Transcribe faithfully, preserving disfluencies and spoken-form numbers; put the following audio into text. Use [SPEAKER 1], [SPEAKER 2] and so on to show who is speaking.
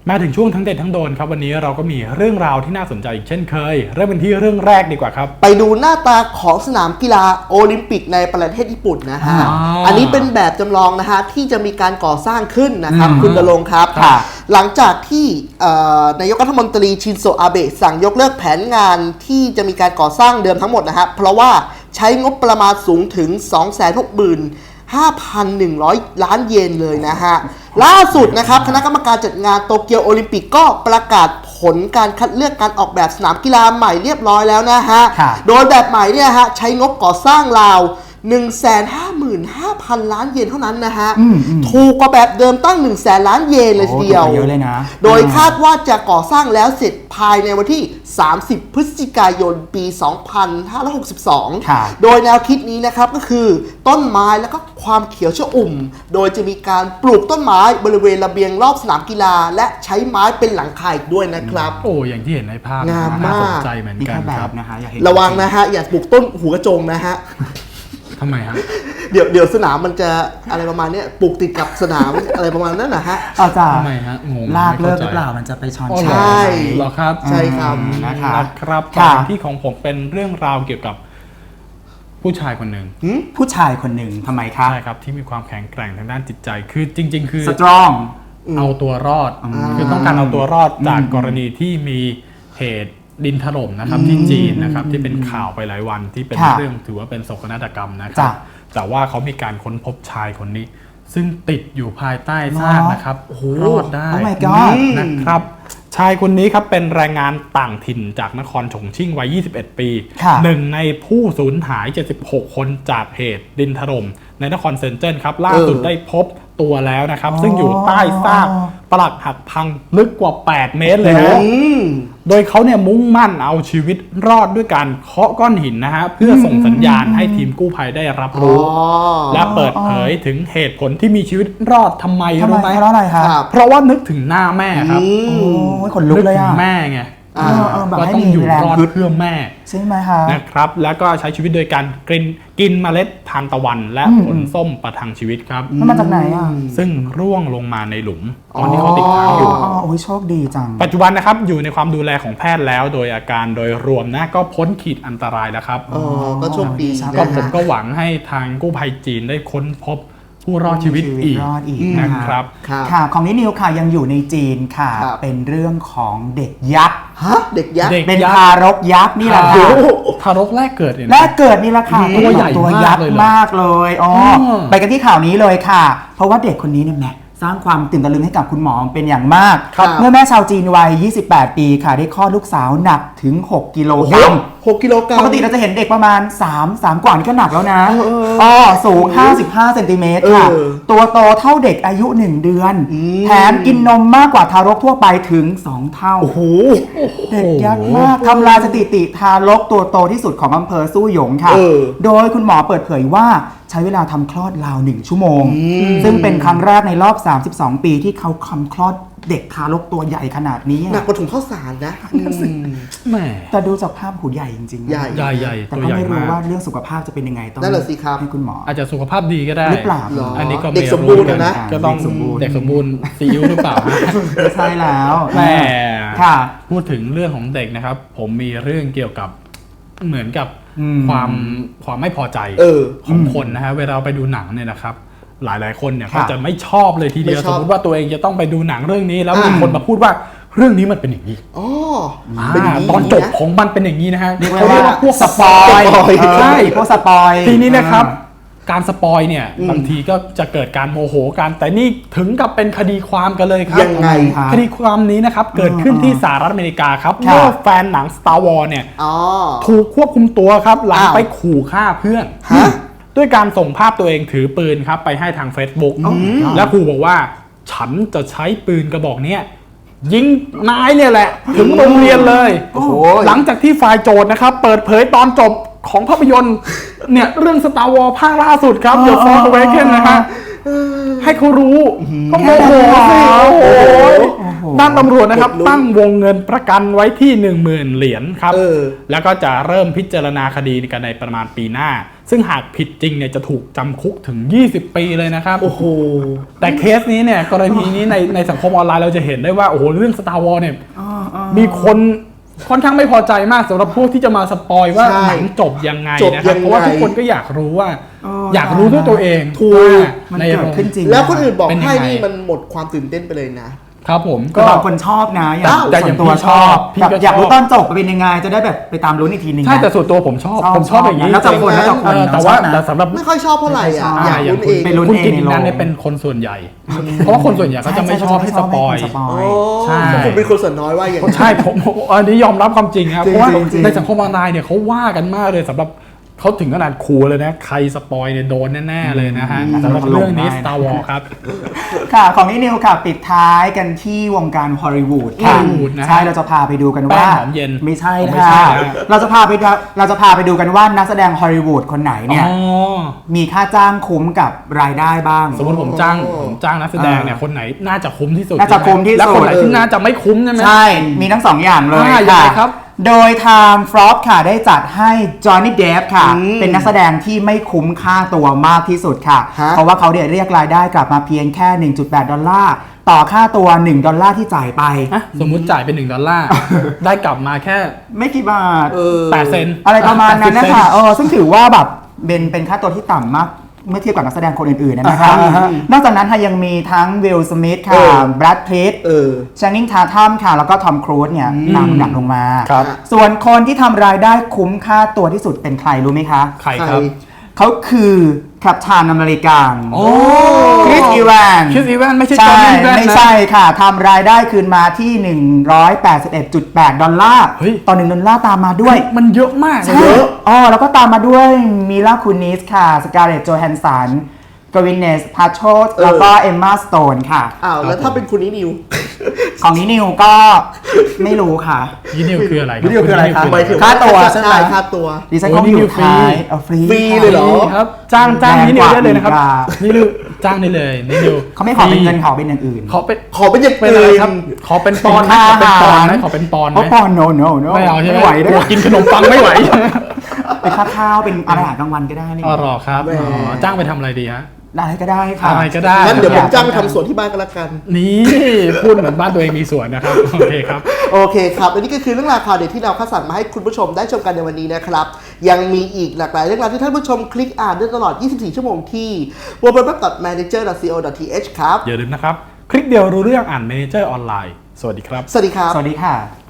[SPEAKER 1] มาถึงช่วงทั้งเด็ดทั้งโดนครับวันนี้เราก็มีเรื่องราวที่น่าสนใจอีกเช่นเคยเริ่มเป็นที่เรื่องแรกดีกว่าครับ
[SPEAKER 2] ไปดูหน้าตาของสนามกีฬาโอลิมปิกในประเทศญี่ปุ่นนะฮะ
[SPEAKER 1] อ๋ออั
[SPEAKER 2] อันนี้เป็นแบบจำลองนะฮะที่จะมีการก่อสร้างขึ้นนะครับคุณดลงค์ครับ
[SPEAKER 1] ค่ะ
[SPEAKER 2] หลังจากที่นายกรัฐมนตรีชินโซอาเบะสั่งยกเลิกแผนงานที่จะมีการก่อสร้างเดิมทั้งหมดนะฮะเพราะว่าใช้งบประมาณสูงถึง สองแสนหกหมื่นห้าพันหนึ่งร้อย ล้านเยนเลยนะฮะล่าสุดนะครับคณะกรรมการจัดงานโตเกียวโอลิมปิกก็ประกาศผลการคัดเลือกการออกแบบสนามกีฬาใหม่เรียบร้อยแล้วนะฮะโดยแบบใหม่เนี่ยฮะใช้งบก่อสร้างราว หนึ่งแสนห้าหมื่นห้าพัน ล้านเยนเท่านั้นนะฮะถูกกว่าแบบเดิมตั้ง หนึ่งแสน ล้านเยนเลยทีเดียว
[SPEAKER 3] เยอะเลยนะ
[SPEAKER 2] โดยคาดว่าจะก่อสร้างแล้วเสร็จภายในวันที่ สามสิบ พฤศจิกายน ปี สองพันห้าร้อยหกสิบสอง โดยแนวคิดนี้นะครับก็คือต้นไม้แล้วก็ความเขียวชอุ่มโดยจะมีการปลูกต้นไม้บริเวณระเบียงรอบสนามกีฬาและใช้ไม้เป็นหลังคาอีกด้วยนะครับ
[SPEAKER 1] โอ้อย่างที่เห็นในภาพ
[SPEAKER 2] งามมาก
[SPEAKER 1] น่สนใจเหมือนกันครับ
[SPEAKER 3] นะคะอยากเห็น
[SPEAKER 2] ระวังนะฮะอย่าปลูกต้นหูกระจงนะฮะ
[SPEAKER 1] ทำไมฮะ
[SPEAKER 2] เดี๋ยวเดี๋ยวสนามมันจะอะไรประมาณนี้ปลูกติดกับสนาม อะไรประมาณนั้นนะฮะ
[SPEAKER 3] อาจารย์
[SPEAKER 1] ทำไมฮะงง
[SPEAKER 3] ลากเลิกหรือเปล่ามันจะไปช้อน
[SPEAKER 1] ใ
[SPEAKER 2] ช
[SPEAKER 1] ่เหรอครับ
[SPEAKER 2] ใช่ครับ
[SPEAKER 1] นะครับต่อที่ของผมเป็นเรื่องราวเกี่ยวกับผู้ชายคนหนึ่ง
[SPEAKER 3] ผู้ชายคนหนึ่งทำไมครับ
[SPEAKER 1] ใช่ครับที่มีความแข็งแกร่งทางด้านจิตใจคือจริงๆคือ
[SPEAKER 3] สตรอง
[SPEAKER 1] เอาตัวรอดคือต้องการเอาตัวรอดจากกรณีที่มีเหตุดินถล่มนะครับที่จีนนะครับที่เป็นข่าวไปหลายวันที่เป็นเรื่องถือว่าเป็นโศกนาฏกรรมนะครับแต่ว่าเขามีการค้นพบชายคนนี้ซึ่งติดอยู่ภายใต้ซากนะครับรอดได้นะครับชายคนนี้ครับเป็นแรงงานต่างถิ่นจากนครฉงชิ่งวัยยี่สิบเอ็ดปีหนึ่งในผู้สูญหายเจ็ดสิบหกคนจากเหตุดินถล่มในนครเซินเจิ้นครับล่าสุดได้พบตัวแล้วนะครับซึ่งอยู่ใต้ซากปรักหักพังลึกกว่าแปดเมตรเลยนะโดยเขาเนี่ยมุ่งมั่นเอาชีวิตรอดด้วยการเคาะก้อนหินนะฮะเพื่อส่งสัญญาณให้ทีมกู้ภัยได้รับรู้และเปิดเผยถึงเหตุผลที่มีชีวิตรอดทำไมรู้ไหม
[SPEAKER 3] เพราะอะไรครับ
[SPEAKER 1] เพราะว่านึกถึงหน้าแม่ครับ
[SPEAKER 3] คนลุกเลยอ่ะ
[SPEAKER 1] แม่ไง
[SPEAKER 3] ก็
[SPEAKER 1] ต้องอยู่รอดเพื่อแม่
[SPEAKER 3] ใช่ไหมคะ
[SPEAKER 1] นะครับแล้วก็ใช้ชีวิตโดยการกินกินเมล็ดทานตะวันและผลส้มประทังชีวิตครับ
[SPEAKER 3] มันมาจากไหนอ่ะ
[SPEAKER 1] ซึ่งร่วงลงมาในหลุมตอนที่เขาติดค้างอยู่
[SPEAKER 3] อ๋อโอ้ยโชคดีจัง
[SPEAKER 1] ปัจจุบันนะครับอยู่ในความดูแลของแพทย์แล้วโดยอาการโดยรวมนะก็พ้นขีดอันตรายแล้วครับ
[SPEAKER 2] อ๋อก็โชคดี
[SPEAKER 1] ก็ผมก็หวังให้ทางกู้ภัยจีนได้ค้นพบผู้รอดชีวิตอีกนะครับ
[SPEAKER 3] ค่ะของนิวค่ะยังอยู่ในจีนค่ะเป็นเรื่องของเด็กยักษ์
[SPEAKER 2] ฮะเด็กยักษ์
[SPEAKER 3] เป็นทารกยักษ์นี่แหละค่ะ
[SPEAKER 1] ทารกแรกเกิดเนี่ย
[SPEAKER 3] แรกเกิดนี่แหละค่ะ
[SPEAKER 1] ตัวใหญ่
[SPEAKER 3] ตัวยักษ์มากเลยอ๋อไปกันที่ข่าวนี้เลยค่ะเพราะว่าเด็กคนนี้เนี่ยแม่สร้างความตื่นตะลึงให้กับคุณหมอเป็นอย่างมากเมื่อแม่ชาวจีนวัยยี่สิบแปดปีค่ะได้คลอดลูกสาวหนักถึงหกกิโลกรัม
[SPEAKER 2] หกกิโลกรัม
[SPEAKER 3] ปกติเราจะเห็นเด็กประมาณสาม สามกว่านี่ก็หนักแล้วนะอ๋อสูงห้าสิบห้าเซนติเมตรค่ะตัวโตเท่าเด็กอายุหนึ่งเดือนแถมกินนมมากกว่าทารกทั่วไปถึงสองเท่า
[SPEAKER 2] โอ้โห
[SPEAKER 3] เด็กยักษ์มากทำลายสถิติทารกตัวโตที่สุดของอำเภอสู้หยงค่ะโดยคุณหมอเปิดเผยว่าใช้เวลาทำคลอดราวหนึ่งชั่วโมงซึ่งเป็นครั้งแรกในรอบสามสิบสองปีที่เขาทำคลอดเด็กทารกตัวใหญ่ขนาดนี้
[SPEAKER 2] หนักกว่าถุงข้าวสารนะ
[SPEAKER 1] แม่
[SPEAKER 3] แต่ดูจากภาพหูใหญ่จริงๆ
[SPEAKER 2] ใหญ่
[SPEAKER 1] ใหญ่ใหญ่
[SPEAKER 3] แต่ก็ไม่รู้ว่าเรื่องสุขภาพจะเป็นยังไงต้องให้คุณหมอ
[SPEAKER 1] อาจจะสุขภาพดีก็ได้
[SPEAKER 3] หรือเปล่า
[SPEAKER 1] อันนี้ก็
[SPEAKER 2] เด็กสมบูรณ์นะ
[SPEAKER 1] ก็ต้องเด็กสมบูรณ์ซีอิ๊วหรือเปล่า
[SPEAKER 3] ใช่แล้ว
[SPEAKER 1] แม่
[SPEAKER 3] ค่ะ
[SPEAKER 1] พูดถึงเรื่องของเด็กนะครับผมมีเรื่องเกี่ยวกับเหมือนกับความความไม่พอใจของคนนะฮะเวลาไปดูหนังเนี่ยนะครับหลายๆคนเนี่ยก็จะไม่ชอบเลยทีเดียวสมมติว่าตัวเองจะต้องไปดูหนังเรื่องนี้แล้วมีคนมาพูดว่าเรื่องนี้มันเป็นอย่างนี้
[SPEAKER 2] อ๋อ
[SPEAKER 1] ตอนจบของมันเป็นอย่างนี้นะฮะ
[SPEAKER 3] เขาเรียกว่าพวกสปอยใช่พวกสปอย
[SPEAKER 1] ทีนี้นะครับการสปอยเนี่ยบางทีก็จะเกิดการโมโหกันแต่นี่ถึงกับเป็นคดีความกันเลยครับ
[SPEAKER 2] ยังไง
[SPEAKER 1] คดีความนี้นะครับเกิดขึ้นที่สหรัฐอเมริกาครับเมื่อแฟนหนัง Star Wars เนี่ยถูกควบคุมตัวครับหลังไปขู่ฆ่าเพื่อนด้วยการส่งภาพตัวเองถือปืนครับไปให้ทาง Facebook และขู่บอกว่าฉันจะใช้ปืนกระบอกนี้ยิงนายเนี่ยแหละถึงโรงเรียนเลยหลังจากที่ฝ่ายโจทย์นะครับเปิดเผยตอนจบของภาพยนตร์เนี่ยเรื่อง Star Wars ภาคล่าสุดครับ The Force Awakens นะฮะให้เขารู้ก็โมโหสิโอ้โหด้านตำรวจนะครับตั้งวงเงินประกันไว้ที่ หนึ่งหมื่น เหรียญครับแล้วก็จะเริ่มพิจารณาคดีกันในประมาณปีหน้าซึ่งหากผิดจริงเนี่ยจะถูกจำคุกถึง ยี่สิบ ปีเลยนะครับ
[SPEAKER 2] โอ้โห
[SPEAKER 1] แต่เคสนี้เนี่ยกรณีนี้ในในสังคมออนไลน์เราจะเห็นได้ว่าโอ้โหเรื่อง Star Wars เนี่ย
[SPEAKER 3] อ๋ออ๋อ
[SPEAKER 1] มีคนค่อนข้างไม่พอใจมากสำหรับพวกที่จะมาสปอยว่า
[SPEAKER 2] ใช่
[SPEAKER 1] หนังจบยังไง
[SPEAKER 2] จบ
[SPEAKER 1] นะครับ
[SPEAKER 2] ยังไง
[SPEAKER 1] เพราะว่าทุกคนก็อยากรู้ว่า
[SPEAKER 3] เออ
[SPEAKER 1] อยากรู้ด้วยตัวเอง
[SPEAKER 2] ถูก
[SPEAKER 1] ว่า
[SPEAKER 3] มัน
[SPEAKER 1] ใน
[SPEAKER 3] เกิ
[SPEAKER 1] โร
[SPEAKER 3] ด
[SPEAKER 1] ง
[SPEAKER 3] ขึ้นจริง
[SPEAKER 2] แล้วคนอื่นบอก
[SPEAKER 1] เป็นยัง
[SPEAKER 2] ให้
[SPEAKER 1] ไง
[SPEAKER 2] นี่มันหมดความตื่นเต้นไปเลยนะ
[SPEAKER 1] ครับผม
[SPEAKER 3] ก็
[SPEAKER 1] ก็
[SPEAKER 3] บางคนชอบนะอย่าง
[SPEAKER 2] อ้าว
[SPEAKER 3] แต่ส่วนตัวชอบ
[SPEAKER 1] พี่
[SPEAKER 3] แบบ
[SPEAKER 1] ก็ชอบ
[SPEAKER 3] อยากรู้ตอนจบเป็นยังไงจะได้แบบไปตามลุ้นอีกทีหนึง
[SPEAKER 1] ใช่
[SPEAKER 3] นะ
[SPEAKER 1] แต่ส่วนตัวผมชอบ
[SPEAKER 3] ชอบ
[SPEAKER 1] ผมชอบอย่างนี้
[SPEAKER 3] แล้วแต่คนแล้วแต่คน
[SPEAKER 1] เออ
[SPEAKER 3] นะ
[SPEAKER 1] แต่ว่า
[SPEAKER 3] ชอบนะ
[SPEAKER 1] แต่สำหรับ
[SPEAKER 2] ไม่ค่อยชอบเท่าไหร่อ่ะ
[SPEAKER 3] ไม่ค่อยชอบ
[SPEAKER 2] อยากลุ้นเอง
[SPEAKER 3] ไปลุ้น
[SPEAKER 1] คุณ
[SPEAKER 3] เอง
[SPEAKER 1] กิต
[SPEAKER 3] ใน
[SPEAKER 1] ติ
[SPEAKER 3] โรง
[SPEAKER 1] นันเนี่ยเป็นคนส่วนใหญ่ เพราะว่าคนส่วนใหญ่ก็จะไม่ชอบให้สปอย
[SPEAKER 3] ให้สปอ
[SPEAKER 2] โอ้
[SPEAKER 3] ย
[SPEAKER 1] ใช่
[SPEAKER 2] คุณเป็นคนส่วนน้อยว่าอย่างนั้น
[SPEAKER 1] ใช่ผมผมอันนี้ยอมรับความจริงครับ
[SPEAKER 3] จริง
[SPEAKER 1] เพราะว่า
[SPEAKER 3] จริงจริง
[SPEAKER 1] ในสังคมออนไลน์เนี่ยเขาว่ากันมากเลยสำหรับเขาถึงขนาดขู่เลยนะ ใครสปอยเนี่ยโดนแน่ๆเลยนะฮะ
[SPEAKER 3] อืม
[SPEAKER 1] สำหรับเรื่องนี้
[SPEAKER 3] ได้นะ
[SPEAKER 1] Star Wars ครับ
[SPEAKER 3] ค่ะของนิดนิวค่ะปิดท้ายกันที่วงการฮอลลีวูดค่ะ
[SPEAKER 1] ฮอลลีวูดนะฮะ
[SPEAKER 3] ใช่เราจะพาไปดูกันว่า
[SPEAKER 1] แป้งหอมเย็น
[SPEAKER 3] ไม่ใช่
[SPEAKER 1] ไม่
[SPEAKER 3] นะ
[SPEAKER 1] ใช่
[SPEAKER 3] คะ
[SPEAKER 1] นะ
[SPEAKER 3] เราจะพาไปดูเราจะพาไปดูกันว่านักแสดงฮอลลีวูดคนไหนเนี่ย
[SPEAKER 1] อ๋อ
[SPEAKER 3] มีค่าจ้างคุ้มกับรายได้บ้าง
[SPEAKER 1] สมมติผมจ้าง
[SPEAKER 2] โอ้
[SPEAKER 1] ผมจ้างนักแสดงเนี่ยคนไหนน่าจะคุ้มที่สุด
[SPEAKER 3] น่าจะคุ้มที่สุด
[SPEAKER 1] แล้วคนไหนที่น่าจะไม่คุ้มใช่ไหม
[SPEAKER 3] ใช่ มีทั้งสองอย่างเลย
[SPEAKER 1] อ่ายัง
[SPEAKER 3] ค่ะ
[SPEAKER 1] ไงครับ
[SPEAKER 3] โดยทางฟรอปค่ะได้จัดให้จอห์นนี่เดฟค่ะ
[SPEAKER 2] อืม
[SPEAKER 3] เป็นนักแสดงที่ไม่คุ้มค่าตัวมากที่สุดค่ะ
[SPEAKER 2] ฮะ
[SPEAKER 3] เพราะว่าเขาเดี๋ยเรียกรายได้กลับมาเพียงแค่ หนึ่งจุดแปด ดอลลาร์ ต่อค่าตัว หนึ่ง ดอลลาร์ที่จ่ายไป
[SPEAKER 1] อ่ะสมมุติจ่ายเป็นหนึ่งดอลลาร์ ได้กลับมาแค่
[SPEAKER 3] ไม่กี่บาท
[SPEAKER 2] เออ
[SPEAKER 1] แปดเซนต์
[SPEAKER 3] อะไรประมาณนั้นนะ
[SPEAKER 1] แปดสิบเซ
[SPEAKER 3] คะ
[SPEAKER 1] ต์
[SPEAKER 3] เออซึ่งถือว่าแบบเป็นเป็นค่าตัวที่ต่ำมากเมื่อเทียบกับนักแสดงคนอื่นๆนะคะ
[SPEAKER 1] อ่าฮะ
[SPEAKER 3] นอกจากนั้นค่ะยังมีทั้งวิลสมิธ
[SPEAKER 2] เอ
[SPEAKER 3] ค่ะ
[SPEAKER 2] อ
[SPEAKER 3] แบรดพิตต์
[SPEAKER 2] เออ
[SPEAKER 3] ชานิงทาทัมค่ะ แล้วก็ทอมครูซเนี่ยนำดับลงมา
[SPEAKER 1] ครับ
[SPEAKER 3] ส่วนคนที่ทำรายได้คุ้มค่าตัวที่สุดเป็นใครรู้ไหมคะ
[SPEAKER 1] ใครครับ
[SPEAKER 3] เขาคือกัปตันอเมริกัน
[SPEAKER 1] โอ้
[SPEAKER 3] คริสอีแวน
[SPEAKER 1] คิสอีแวนไม่ใช่จอ
[SPEAKER 3] ใช่
[SPEAKER 1] ห์นนี่อีแวน
[SPEAKER 3] ไม่
[SPEAKER 1] นะ
[SPEAKER 3] ใช่ค่ะทำรายได้คืนมาที่ หนึ่งร้อยแปดสิบเอ็ดจุดแปด ดอลลาร์
[SPEAKER 1] เฮ้ย
[SPEAKER 3] ต่อหนึ่งดอลลาร์ตามมาด้วย
[SPEAKER 1] มันเยอะมาก
[SPEAKER 3] ใช่
[SPEAKER 1] เยอะ
[SPEAKER 3] อ๋อแล้วก็ตามมาด้วยมิลาคูนิสค่ะ สการ์เล็ตโจแฮนสันกวินเนสพาโชต
[SPEAKER 2] เออ
[SPEAKER 3] แล้วก็เอมมาสโตนค่ะ
[SPEAKER 2] อ้าวแล้วถ้าเป็นคุณนินิว
[SPEAKER 3] ของนี้นิวก็ไม่รู้ค่ะ
[SPEAKER 1] ยี่นิวคืออะไรรับ
[SPEAKER 3] ยี่นิวคืออะไรครับ
[SPEAKER 2] หมายถึง
[SPEAKER 3] ค่าตัวใช่ไหม
[SPEAKER 2] ค่าตัว
[SPEAKER 3] ดิฉัน
[SPEAKER 1] โอ้
[SPEAKER 3] ก็
[SPEAKER 1] นี่
[SPEAKER 3] อ
[SPEAKER 1] นิ
[SPEAKER 3] ยู่
[SPEAKER 1] วฟรี
[SPEAKER 3] ท้ายเอาฟรี
[SPEAKER 2] ฟรีเลยเหรอ
[SPEAKER 1] ครับจ้างจ้าง
[SPEAKER 3] แพง
[SPEAKER 1] นี่นิว
[SPEAKER 3] กว่า
[SPEAKER 1] ได้เลยนะครับ
[SPEAKER 3] อีกอ่ะ
[SPEAKER 1] นี่นิวจ้างได้เลยนี่นิว
[SPEAKER 3] เขาไม่ขอเป็นเงินขอเป็นอย่างอื่น
[SPEAKER 1] ขอเป็น
[SPEAKER 2] ขอเป็นอย่าง
[SPEAKER 1] เป็นอะไร
[SPEAKER 2] อื่น
[SPEAKER 1] ครับ ขอเป็นปอนด์ไหม
[SPEAKER 3] เป็น
[SPEAKER 1] ขอ
[SPEAKER 3] ค่า
[SPEAKER 1] เป็นปอนด์ไหม
[SPEAKER 3] อาหาร
[SPEAKER 1] ขอเป็นปอนด์ไห
[SPEAKER 3] เพ
[SPEAKER 1] ม
[SPEAKER 3] ราะปอนโนโนโน
[SPEAKER 1] ไม่เอาใช่ไหม
[SPEAKER 3] ไหว
[SPEAKER 1] ก
[SPEAKER 3] ด้
[SPEAKER 1] ลั
[SPEAKER 3] ว
[SPEAKER 1] วย กินขนมปังไม่ไหว
[SPEAKER 3] เป็นค่าข้าวเป็นอาหารกลางวันก็ได้นี่
[SPEAKER 1] อ๋อเหรอครับ
[SPEAKER 2] แหม
[SPEAKER 1] อ๋อจ้างไปทำอะไรดีฮะ
[SPEAKER 3] อะไรก็ได้ค่ะ
[SPEAKER 1] อะไรก็ได้
[SPEAKER 2] งั้นเดี๋ยวผมจ้างไปทำสวนที่บ้านก็แล้วกัน
[SPEAKER 1] นี่พูดเหมือนบ้านตัวเองมีสวนนะครับโอเคครับ
[SPEAKER 2] โอเคครับอันนี้ก็คือเรื่องราวข่าวเด็ดที่เราคัดสรรมาให้คุณผู้ชมได้ชมกันในวันนี้นะครับ ยังมีอีกหลากหลายเรื่องราวที่ท่านผู้ชมคลิกอ่านได้ตลอด ยี่สิบสี่ ชั่วโมงที่ ดับเบิลยู ดับเบิลยู ดับเบิลยู ดอท แมเนเจอร์ ดอท ซี โอ ดอท ที เอช ครับ
[SPEAKER 1] อย่าลืมนะครับ คลิกเดียวรู้เรื่องอ่านเมเนเจอร์ออนไลน์สวัสดีครับ
[SPEAKER 2] สวัสดีครับ
[SPEAKER 3] สวัสดีค่ะ